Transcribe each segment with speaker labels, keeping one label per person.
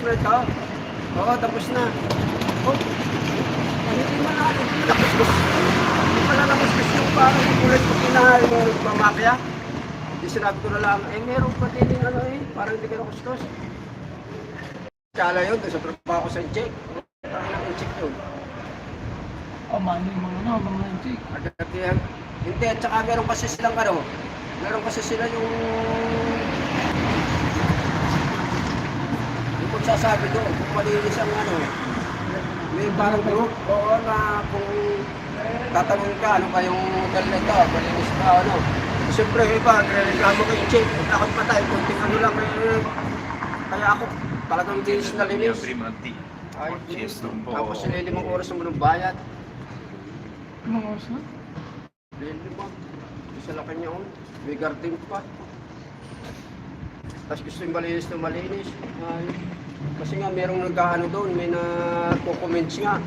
Speaker 1: na ito. Oo, tapos na. Oh, hindi mo na, hindi mo nakuskus. Hindi mo na nakuskus yung parang kulay ko kinahal yung nagmamakya. Hindi sinabi ko na lang, meron pa din yung ano parang hindi ka nakuskus. Kala yun, doon sa trabaho ko sa check. Parang nang-check yun.
Speaker 2: Mali yung mga check.
Speaker 1: Agad yan. Hindi, at saka meron kasi silang meron kasi sila yung magsasabi doon, kung malinis ang may parang group, oo na kung tatanungin ka, ano kayong hotel na ito, malinis ka, ano. Siyempre, iba, nagreklamo kayo check, takot patay, kunting ano lang, kaya ako, talagang dinis na linis. Ay, tapos sila 5 oras naman ng bayad.
Speaker 2: Mga oras na?
Speaker 1: 5. Isa lang kanya may garden pa. Tapos gusto yung malinis na malinis. Ay, kasi nga merong nag-ano doon, may nagko-comments nga.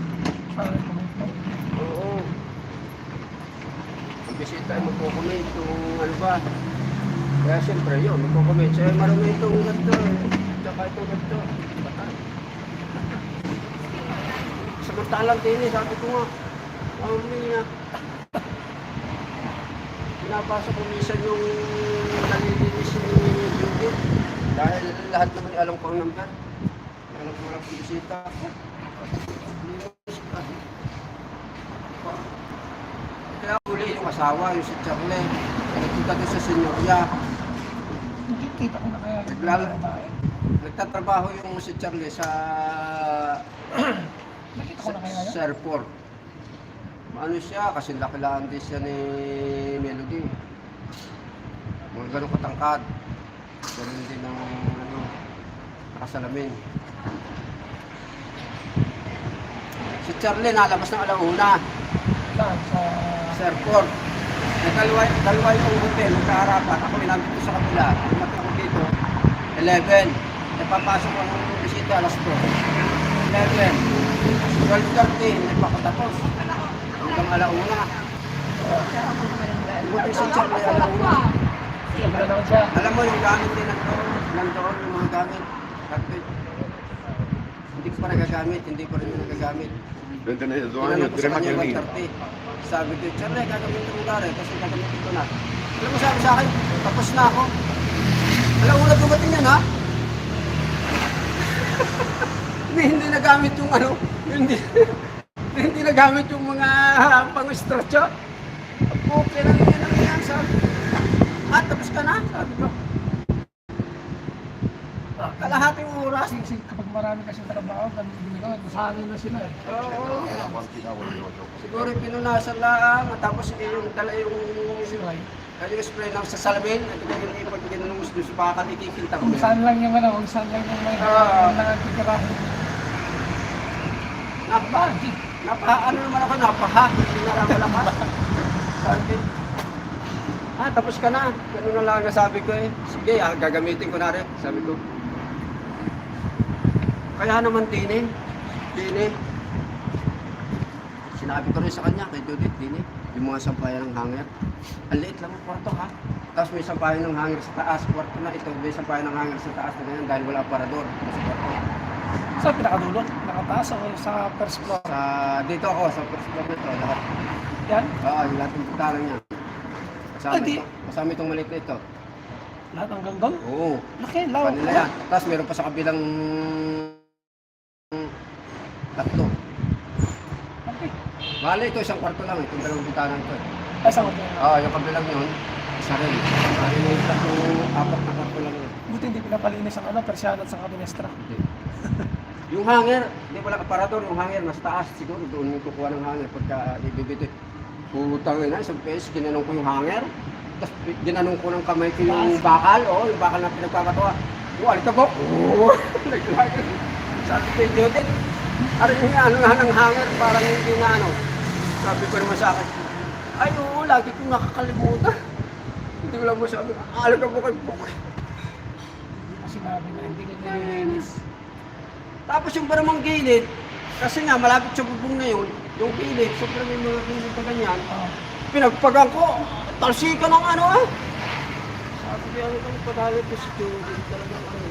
Speaker 1: Oo. Ang bisita ay magko-comment kung ano ba. Kaya siyempre yun, magko-comment. Kaya marami itong ganito tsaka itong ganito. Samantalang din sabi ko nga, niya. Pinapasok ko minsan yung nalilinis ni Judith. Dahil lahat naman alam ko ang number. Alam ko lang kung bisita. Kaya huli yung asawa, yung si Charlie. Nagkita doon sa senyorya.
Speaker 2: Nakikita ko na kaya.
Speaker 1: Nagtatrabaho yung si Charlie sa
Speaker 2: Nakita ko na kaya yan?
Speaker 1: sa airport. Ano siya, kasi laki-laan din siya ni Melody. Mga ganun katangkad. Ganun din ng nakasalamin. Si Charlie nalabas ng alauna sa airport. Dalawa yung hotel, magkaharapan. Ako inabit ko sa kabila. Dumating ako dito, 11. Napapasok ang bisita alas 2. 11. 12:30, nagpakatapos. Hanggang alauna. Dumating si Charlie alauna. Alam mo yung gamit din nandoon yung mga gamit. Carpet. Hindi ko pa nagagamit, hindi ko rin nagagamit. Tinanong ko sa kanya 1:30. Sabi ko, Charlie, gagamitin mo gari kasi gagamitin ko na. Alam mo sabi sa akin, tapos na ako. Alauna dumating yan ha? Hindi nagamit yung hindi nagamit yung mga pang-stretcho. Okay lang yan, sabi. Tapos ka na, sabi ko. Kalahating oras.
Speaker 2: Kapag marami kasi trabaho, nasanay na sila eh.
Speaker 1: Oo. Siguro pinunasan lang, tapos yung dala yung spray lang sa salamin, at pag ginanungus doon sa bakal, ikikilta ko.
Speaker 2: Kung saan lang yung kung saan lang yung nakakitirahan.
Speaker 1: Ano naman ako, napaha. Hindi na lang malakas. Sabi, tapos ka na. Ganun na lang nasabi ko eh. Sige, gagamitin ko na rin. Sabi ko. Kaya naman Tini. Sinabi ko rin sa kanya, kay Judith, Tini. Yung mga sampayan ng hanger. Ang liit lang ang kwarto ha. Tapos may sampayan ng hanger sa taas. Kwarto na ito, may sampayan ng hanger sa taas na ganyan dahil wala aparador. Sa kwarto.
Speaker 2: Sa pinakadulo? Nakataas o sa first floor?
Speaker 1: Dito ako, sa first floor nito, lahat.
Speaker 2: Yan?
Speaker 1: Oo, yung lahat ng putaran niya. Kasama itong maliit na ito.
Speaker 2: Lahat hanggang doon?
Speaker 1: Oo.
Speaker 2: Laki, lawak.
Speaker 1: Kanila yan. Tapos meron pa sa kabilang 3.
Speaker 2: Okay.
Speaker 1: Bale, ito isang kwarto lang. Itong dalawang putaran ko.
Speaker 2: Ay, saan ko?
Speaker 1: Oo, yung kabilang yun, isa rin. Bale, yung 4 na kwarto lang yun.
Speaker 2: Buti hindi pinapalinis ang persiana at sa kabinestra.
Speaker 1: Yung hanger, hindi wala aparador. Yung hanger, nasa taas. Siguro doon yung kukuha ng hanger pagka ibibito. Putang ina, isang beses, ginanong ko yung hanger. Tapos ginanong ko ng kamay ko yung bakal. Yung bakal na pinagkakatawa. Alikabok. Naglagay. Sabi ko yung Judith, yung nga ng hanger, parang hindi na Sabi ko naman sa akin, ay oo, lagi kong nakakalimutan. Hindi ko lang masabi, alikabok ay bukay.
Speaker 2: Sinabi na hindi ka nililinis.
Speaker 1: Tapos yung paramang gilid, kasi nga malapit sa bubong na yun, yung gilid, sobrang may mga gilid pa ganyan, pinagpagang ko, talsika ng Sabi ko, ano kang padali ko si Judith, talagang